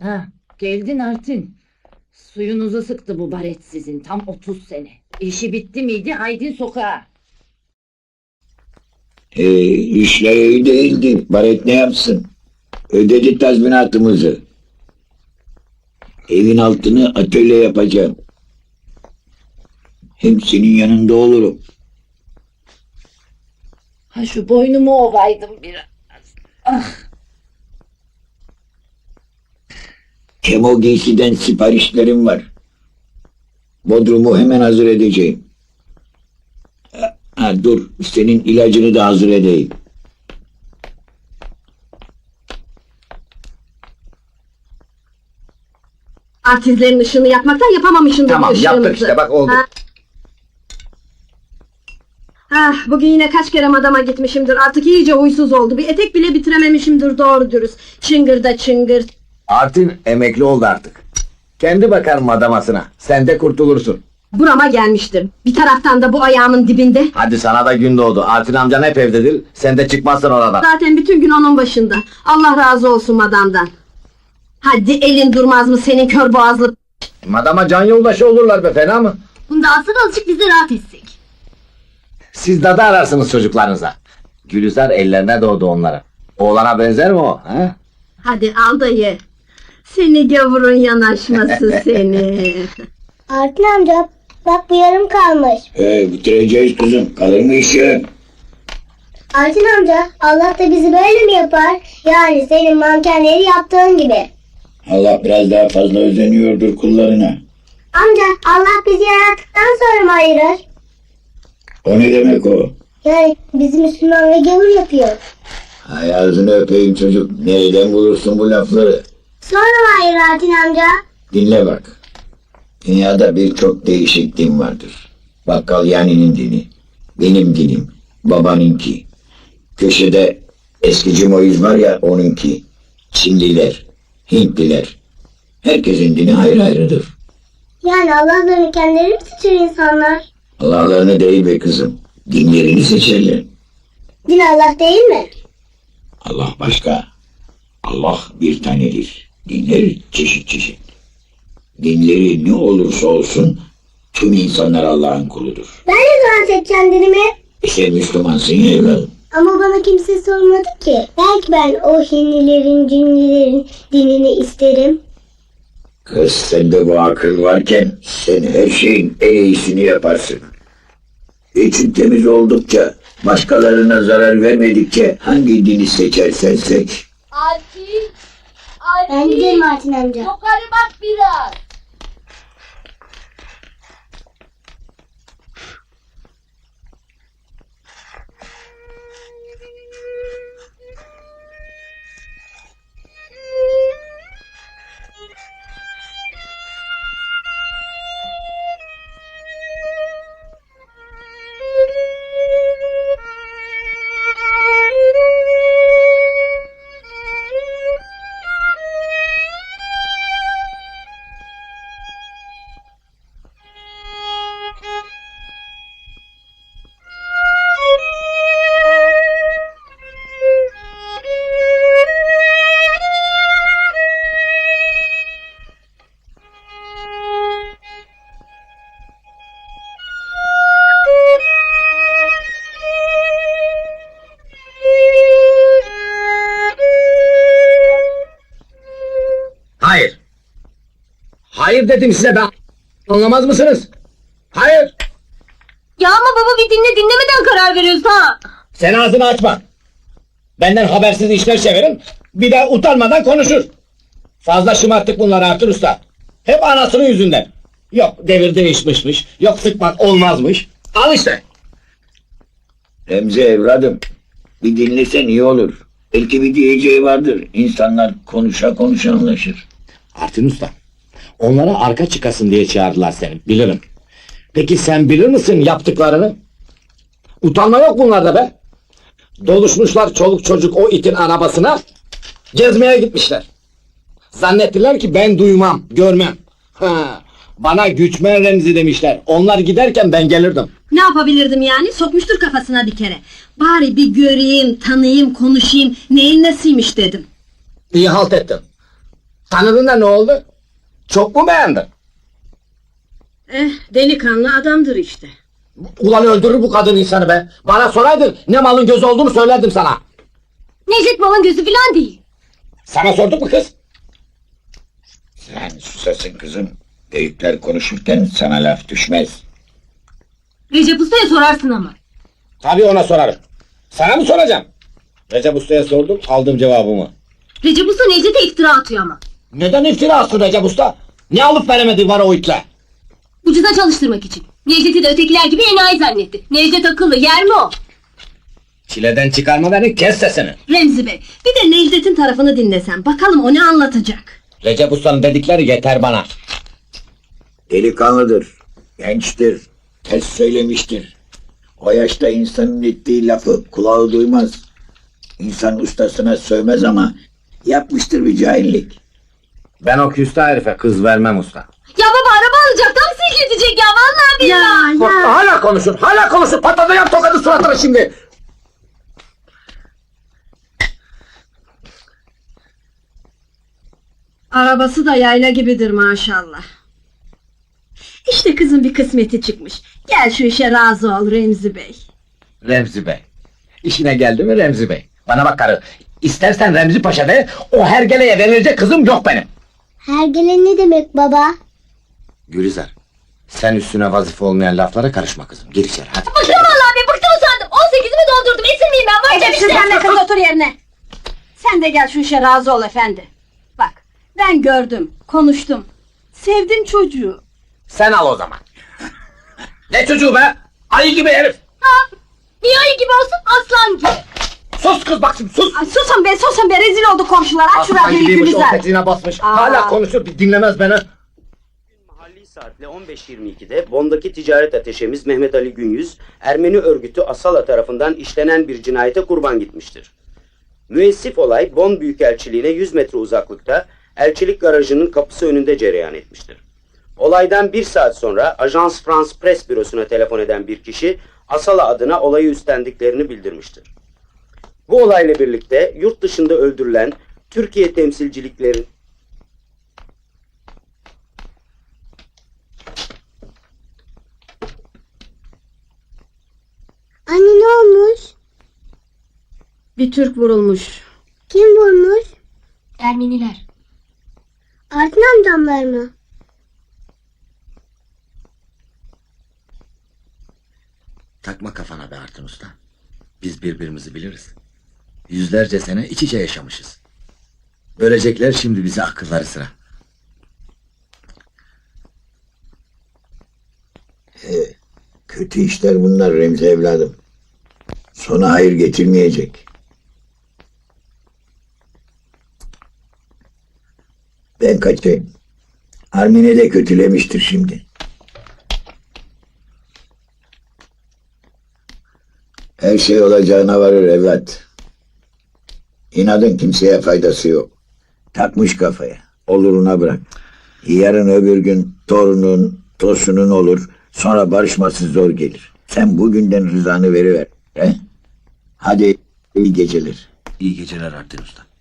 Ha, geldin Artin. Suyunuzu sıktı bu baret sizin, tam 30 sene. İşi bitti miydi, haydin sokağa. İşler iyi değildi. Baret ne yapsın? Ödedi tazminatımızı. Evin altını atölye yapacağım. Hem senin yanında olurum. Ha, şu boynumu ovaydım biraz. Ah, Kemo giysiden siparişlerim var. Bodrumu hemen hazır edeceğim. Ha, dur, senin ilacını da hazır edeyim. Artistlerin ışığını yakmaktan yapamamışsındır Tamam, bu ışığımızı. yaptık işte, bak oldu. Bugün yine kaç kere madama gitmişimdir. Artık iyice huysuz oldu. Bir etek bile bitirememişimdir doğru dürüst. Çıngır da çıngır. Artin emekli oldu artık. Kendi bakar madamasına. Sen de kurtulursun. Burama gelmiştir. Bir taraftan da bu ayağımın dibinde. Hadi sana da gün doğdu. Artin amcan hep evdedir. Sen de çıkmazsın oradan. Zaten bütün gün onun başında. Allah razı olsun madamdan. Hadi elin durmaz mı senin kör boğazlı? Madama can yoldaşı olurlar be, fena mı? Bunda asıl azıcık bizi rahat etsek. Siz dadı ararsınız çocuklarınıza. Gülizar ellerine doğdu onlara. Oğlana benzer mi o? He? Hadi al da ye. Seni gavurun yanaşması seni. Artin amca bak bu yarım kalmış. Bitireceğiz kızım. Kalır mı işin? Artin amca Allah da bizi böyle mi yapar? Yani senin mankenleri yaptığın gibi. Allah biraz daha fazla özeniyordur kullarına. Amca Allah bizi yarattıktan sonra mı ayırır? O ne demek o? Yani bizi Müslüman ve gavur yapıyor. Hay ağzını öpeyim çocuk. Nereden bulursun bu lafları? Sonra mı ayırır Artin amca? Dinle bak. Dünyada birçok değişik din vardır. Bakkal Yani'nin dini, benim dinim, babanınki. Köşede eskici Moiz var ya, onunki. Çinliler, Hintliler. Herkesin dini ayrı ayrıdır. Yani Allah'larını kendileri mi seçer insanlar? Allah'larını değil be kızım. Dinlerini seçerler. Din Allah değil mi? Allah başka. Allah bir tanedir. Dinler çeşit çeşit. Dinleri ne olursa olsun tüm insanlar Allah'ın kuludur. Ben ne zaman seçeceğim dinimi? Sen Müslümansın ya evladım. Ama bana kimse sormadı ki. Belki ben o Hinlilerin, Cinlilerin dinini isterim. Kız, sende bu akıl varken sen her şeyin en iyisini yaparsın. İçin temiz oldukça, başkalarına zarar vermedikçe hangi dini seçersen seç. Artin! Ben giderim Artin amca. Yukarı bak biraz! Hayır. Hayır dedim size, ben. Anlamaz mısınız? Hayır. Ya ama baba bir dinlemeden karar veriyorsun ha. Sen ağzını açma. Benden habersiz işler çevirin. Bir de utanmadan konuşur. Fazla şımarttık bunları Artur Usta. Hep anasının yüzünden. Yok devir değişmişmiş. Yok sıkmak olmazmış. Al işte. Remzi evladım, bir dinlesen iyi olur. Belki bir diyeceği vardır. İnsanlar konuşa konuşa anlaşır. Artin Usta. Onlara arka çıkasın diye çağırdılar seni. Bilirim. Peki sen bilir misin yaptıklarını? Utanma yok bunlarda be. Doluşmuşlar çoluk çocuk o itin arabasına. Gezmeye gitmişler. Zannettiler ki ben duymam, görmem. Ha, bana güçmen Remzi demişler. Onlar giderken ben gelirdim. Ne yapabilirdim yani? Sokmuştur kafasına bir kere. Bari bir göreyim, tanıyayım, konuşayım. Neyin nesiymiş dedim. İyi halt ettin. Tanıdın da ne oldu? Çok mu beğendin? Delikanlı adamdır işte. Ulan öldürür bu kadın insanı be. Bana soraydın ne malın gözü olduğunu söylerdim sana. Necdet malın gözü filan değil. Sana sorduk mu kız? Sen susasın kızım. Büyükler konuşurken sana laf düşmez. Recep Usta'ya sorarsın ama. Tabii ona sorarım. Sana mı soracağım? Recep Usta'ya sordum, aldım cevabımı. Recep Usta Necdet'e iftira atıyor ama. Neden iftira atsın Recep Usta? Ne alıp veremedi var o itle? Ucuza çalıştırmak için. Necdet'i de ötekiler gibi enayi zannetti. Necdet akıllı, yer mi o? Çileden çıkarma beni, kes sesini. Remzi Bey, bir de Necdet'in tarafını dinlesen. Bakalım o ne anlatacak. Recep Usta'nın dedikleri yeter bana. Delikanlıdır, gençtir, ters söylemiştir. O yaşta insanın ettiği lafı kulağı duymaz. İnsan ustasına sövmez ama yapmıştır bir cahillik. Ben o küstah herife kız vermem usta. Ya baba araba alacak, tam silkelecek ya vallahi billahi. Hala konuşur, patlatacağım tokadı suratına şimdi. Arabası da yayla gibidir maşallah. İşte kızın bir kısmeti çıkmış. Gel şu işe razı ol Remzi Bey. Remzi Bey. İşine geldi mi Remzi Bey? Bana bak karı, istersen Remzi Paşa de, o hergeleye verilecek kızım yok benim. Hergele ne demek baba? Gülizar, sen üstüne vazife olmayan laflara karışma kızım. Gir içeri hadi. Bıktım vallahi be, bıktım usandım. 18'imi doldurdum, esir miyim ben? Varacağım Edepsiz işte. sen de kız otur yerine. Sen de gel şu işe razı ol efendi. Bak ben gördüm, konuştum. Sevdim çocuğu. Sen al o zaman. Ne çocuğu be? Ayı gibi herif. Ha, niye ayı gibi olsun, aslan gibi. Sus kız bak şimdi sus. Ay, susun be rezil oldu komşular. Aç şu Aslan radyoyu gibiymiş o Gülizar. tetiğine basmış. Aa. Hala konuşur bir dinlemez beni. Mahalli saatle 15.22'de Bond'daki ticaret ateşemiz Mehmet Ali Günyüz, Ermeni örgütü Asala tarafından işlenen bir cinayete kurban gitmiştir. Müessif olay Bond Büyükelçiliğine 100 metre uzaklıkta elçilik garajının kapısı önünde cereyan etmiştir. Olaydan 1 saat sonra Ajans France Press bürosuna telefon eden bir kişi Asala adına olayı üstlendiklerini bildirmiştir. Bu olayla birlikte yurt dışında öldürülen Türkiye temsilcilikleri Anne ne olmuş? Bir Türk vurulmuş. Kim vurmuş? Ermeniler. Artin amcamlar mı? Takma kafana be Artun Usta. Biz birbirimizi biliriz. Yüzlerce sene iç içe yaşamışız. Bölecekler şimdi bize akılları sıra. Kötü işler bunlar Remzi evladım. Sona hayır getirmeyecek. Ben kaçayım. Armine de kötülemiştir şimdi. Her şey olacağına varır evlat. İnadın kimseye faydası yok. Takmış kafaya. Oluruna bırak. Yarın öbür gün torunun, tosunun olur. Sonra barışması zor gelir. Sen bugünden rızanı veriver. He? Hadi iyi geceler. İyi geceler Artun Usta.